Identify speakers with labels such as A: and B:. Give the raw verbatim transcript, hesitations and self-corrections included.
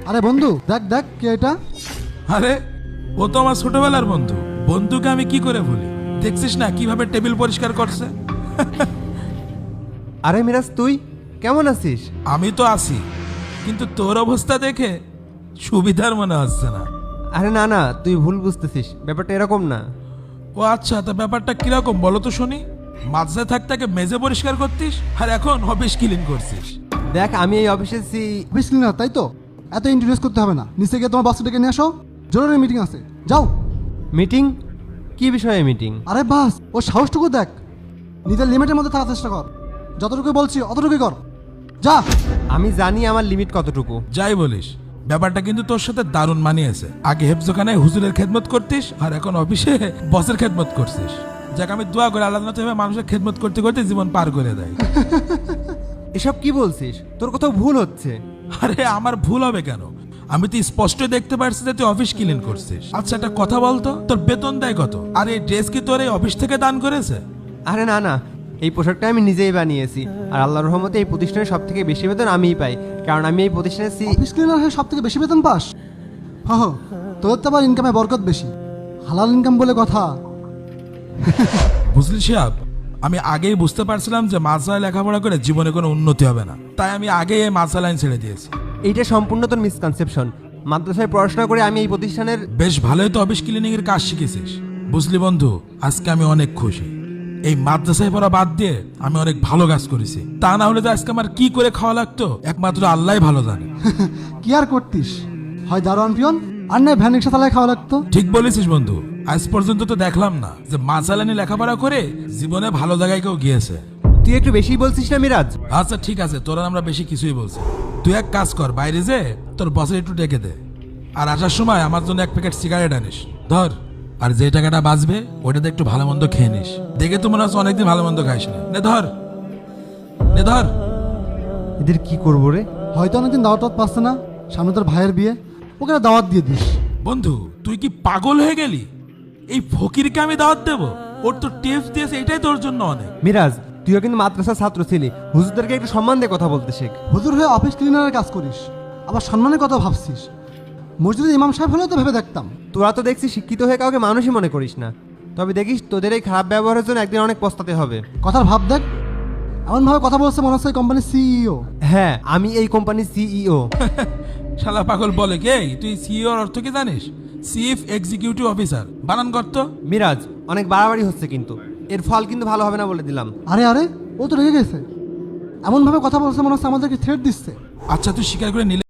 A: আরে বন্ধু দেখ দেখ কে এটা।
B: আরে ও তো আমার ছোটবেলার বন্ধু। বন্ধুকে আমি কি করে ভুলি? দেখছিস না কিভাবে টেবিল পরিষ্কার করছে।
C: আরে মিরাজ, তুই কেমন আছিস?
B: আমি তো আছি, কিন্তু তোর অবস্থা দেখে সুবিধার মনে হচ্ছে না।
C: আরে না না, তুই ভুল বুঝতেছিস, ব্যাপারটা এরকম না।
B: ও আচ্ছা, তা ব্যাপারটা কিরকম বলো তো শুনি। মাঝে থাকতে মেজে পরিষ্কার করতিস, আর এখন অফিস ক্লিন করছিস।
C: দেখ, আমি এই অফিসে সি
A: অফিস ক্লিনার, তাই তো? এত ইন্ট্রোডিউস করতে হবে না। নিচে গিয়ে তোমার বাচ্চাটাকে নিয়ে আসো, জরুরি মিটিং আছে, যাও।
C: মিটিং? কি বিষয়ে মিটিং?
A: আরে বাস, ও সাহসটুকু দেখ। নিজের লিমিটের মধ্যে থাকার চেষ্টা কর। যতটুকু বলছি অতটুকুই কর, যা।
C: আমি জানি আমার লিমিট কতটুকু।
B: যাই বলিস, ব্যাপারটা কিন্তু তোর সাথে দারুণ মানিয়েছে। আগে হেফজোখানায় হুজুরের খেদমত করতিস, আর এখন অফিসে বসের খেদমত করছিস। যাক, আমি দোয়া করে আল্লাহ যেন মানুষের খেদমত করতে করতে জীবন পার করে দেয়।
C: এসব কি বলছিস? তোর কোথাও ভুল হচ্ছে।
B: আরে আমার ভুল হবে কেন? আমি তো স্পষ্ট দেখতে পারছি যে তুই অফিস ক্লিন করছিস। আচ্ছা, একটা কথা বলতো, তোর বেতন দেয় কত? আর এই ড্রেস কি তোর এই অফিস থেকে দান করেছে?
C: আরে না না, এই পোশাকটা আমি নিজেই বানিয়েছি। আর আল্লাহর রহমতে এই প্রতিষ্ঠানে সব থেকে বেশি বেতন আমিই পাই, কারণ আমি এই প্রতিষ্ঠানে সি
A: অফিস ক্লিনার হয়ে সব থেকে বেশি বেতন পাস? হ্যাঁ হ্যাঁ, তোর তো আবার ইনকামে বরকত বেশি, হালাল ইনকাম বলে কথা।
B: বুঝলি সাহেব, আমি আগেই বুঝতে পারছিলাম যে মাদ্রাসায় লেখাপড়া করে জীবনে কোনো উন্নতি হবে না, তাই আমি আগেই এই মাদ্রাসা লাইন ছেড়ে দিয়েছি।
C: এইটা সম্পূর্ণ তোর মিসকনসেপশন। মাদ্রাসায় পড়াশোনা করে আমি এই প্রতিষ্ঠানের
B: বেশ ভালোই তো অফিস ক্লিনিং এর কাজ শিখেছিস। বুঝলি বন্ধু, আজকে আমি অনেক খুশি। এই মাদ্রাসায় পড়া বাদ দিয়ে আমি অনেক ভালো কাজ করেছি। তা না হলে তো আজকে আমার কি করে খাওয়া লাগতো একমাত্র আল্লাহই ভালো জানে।
A: কি আর করতিস, হয় দারোয়ান পিয়ন, আর নয় ভ্যান রিক্সা চালায় খাওয়া লাগতো।
B: ঠিক বলেছিস বন্ধু, আজ পর্যন্ত তো দেখলাম না যে মাদ্রাসা লাইনে লেখাপড়া করে জীবনে ভালো জায়গায় কেউ গিয়েছে।
C: তুই একটু বেশি বলছিস না মিরাজ?
B: আচ্ছা ঠিক আছে, তোরা আমরা বেশি কিছুই বলছি। তুই এক কাজ কর, বাইরে যে তোর বসের একটু ডেকে দে, আর আসার সময় আমার জন্য এক প্যাকেট সিগারেট আনিস। ধর, আর যে টাকাটা বাঁচবে ওইটাতে একটু ভালো মন্দ খেয়ে নিস। দেখে তো মনে হচ্ছে অনেকদিন ভালো মন্দ খাইস না। নে ধর, নে ধর।
C: এদের কি করবো রে?
A: হয়তো অনেকদিন দাওয়াত টাওয়াত পাচ্ছে না, সামনে তোর ভাইয়ের বিয়ে, ওকে একটা দাওয়াত দিয়ে দিস।
B: বন্ধু, তুই কি পাগল হয়ে গেলি? এই ফকিরকে আমি দাওয়াত দেবো? ওর তো টিপস দিয়েছে, এটাই তোর জন্য অনেক।
C: মিরাজ, তুইও কিন্তু মাদ্রাসার ছাত্র ছিলি, হুজুরদেরকে একটু সম্মান দিয়ে কথা বলতে শেখ।
A: হুজুর হয়ে অফিস ক্লিনারের কাজ করিস, আবার সম্মানের কথা ভাবছিস। মসজিদে ইমাম সাহেব হলেও তো ভেবে দেখতাম।
C: তোরা তো দেখছি শিক্ষিত হয়ে কাউকে মানুষই মনে করিস না। তবে দেখিস, তোদের এই খারাপ ব্যবহারের জন্য একদিন অনেক পস্তাতে হবে।
A: কথার ভাব দেখ, এমনভাবে কথা বলছে মনে হচ্ছে কোম্পানির সিইও।
C: হ্যাঁ, আমি এই কোম্পানির সিইও।
B: শালা পাগল বলে কে? তুই সিইওর অর্থ কি জানিস? Chief executive officer. বানান করতো।
C: মিরাজ, অনেক বাড়াবাড়ি হচ্ছে কিন্তু, এর ফল কিন্তু ভালো হবে না বলে দিলাম।
A: আরে আরে, ও তো রেগে গেছে। এমনভাবে কথা বলছে মনে হচ্ছে আমাদেরকে থ্রেট দিচ্ছে।
B: আচ্ছা, তুই স্বীকার করে নিলে